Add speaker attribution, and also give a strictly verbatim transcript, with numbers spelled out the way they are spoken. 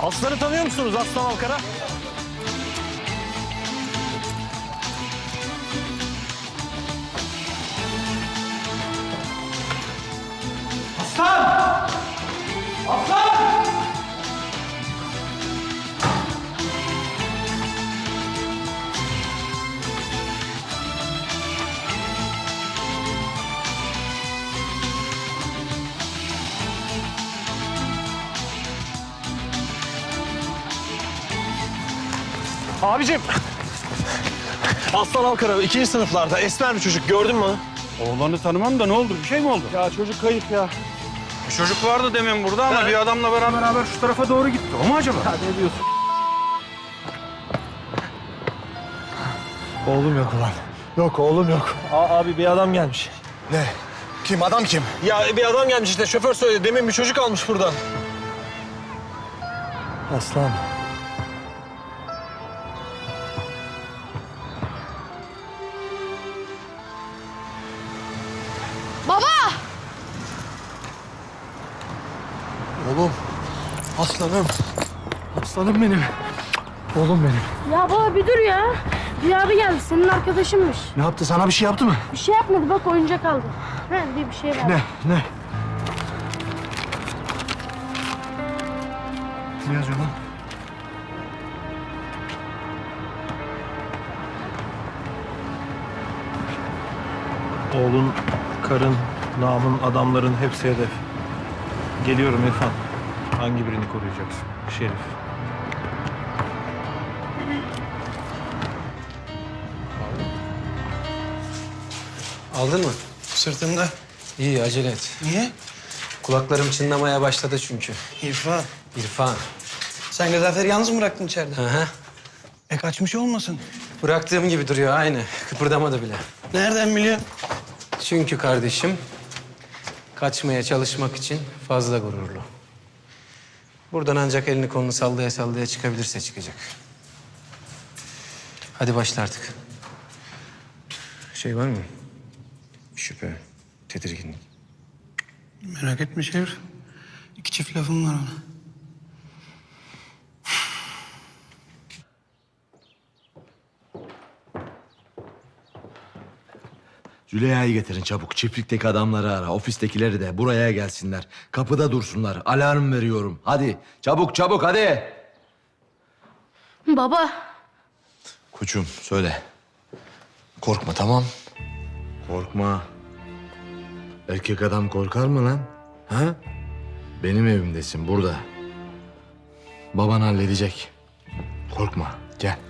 Speaker 1: Aslan'ı tanıyor musunuz Aslan Alkara?
Speaker 2: Aslan! Aslan!
Speaker 1: Abicim. Aslan Alkara ikinci sınıflarda esmer bir çocuk, gördün mü?
Speaker 2: Oğlanı tanımam da ne oldu? Bir şey mi oldu?
Speaker 1: Ya çocuk kayıp ya.
Speaker 2: Bir çocuk vardı demin burada ama
Speaker 1: Ha.
Speaker 2: bir adamla beraber beraber şu tarafa doğru gitti. O mu acaba?
Speaker 1: Ya ne diyorsun? Oğlum yok ulan. Yok oğlum yok. A abi bir adam gelmiş.
Speaker 3: Ne? Kim? Adam kim?
Speaker 1: Ya bir adam gelmiş işte, şoför söyledi. Demin bir çocuk almış buradan. Aslan.
Speaker 4: Baba!
Speaker 3: Oğlum. Aslanım. Aslanım benim. Oğlum benim.
Speaker 4: Ya baba bir dur ya. Bir abi geldi, senin arkadaşınmış.
Speaker 3: Ne yaptı? Sana bir şey yaptı mı?
Speaker 4: Bir şey yapmadı, bak oyuncak aldı. He diye bir şey verdi.
Speaker 3: Ne? Ne? Ne yazıyor lan?
Speaker 1: Oğlun, karın, namın, adamların hepsi hedef. Geliyorum İrfan. Hangi birini koruyacaksın? Şerif.
Speaker 5: Aldın mı?
Speaker 6: Sırtımda.
Speaker 5: İyi, acele et.
Speaker 6: Niye?
Speaker 5: Kulaklarım çınlamaya başladı çünkü.
Speaker 6: İrfan.
Speaker 5: İrfan.
Speaker 6: Sen Gazanfer'i yalnız mı bıraktın içeride?
Speaker 5: Hı hı.
Speaker 6: E kaçmış olmasın?
Speaker 5: Bıraktığım gibi duruyor aynı. Kıpırdamadı bile.
Speaker 6: Nereden biliyorsun?
Speaker 5: Çünkü kardeşim kaçmaya çalışmak için fazla gururlu. Buradan ancak elini kolunu sallaya sallaya çıkabilirse çıkacak. Hadi başla artık. Şey var mı? Şüphe, tedirginlik.
Speaker 6: Merak etme Şerif. İki çift lafım var ona.
Speaker 3: Züleyha'yı getirin çabuk. Çiftlikteki adamları ara. Ofistekileri de buraya gelsinler. Kapıda dursunlar. Alarm veriyorum. Hadi çabuk çabuk hadi.
Speaker 4: Baba,
Speaker 3: Koçum söyle. Korkma tamam. Korkma. Erkek adam korkar mı lan? Ha? Benim evimdesin burada. Baban halledecek. Korkma gel.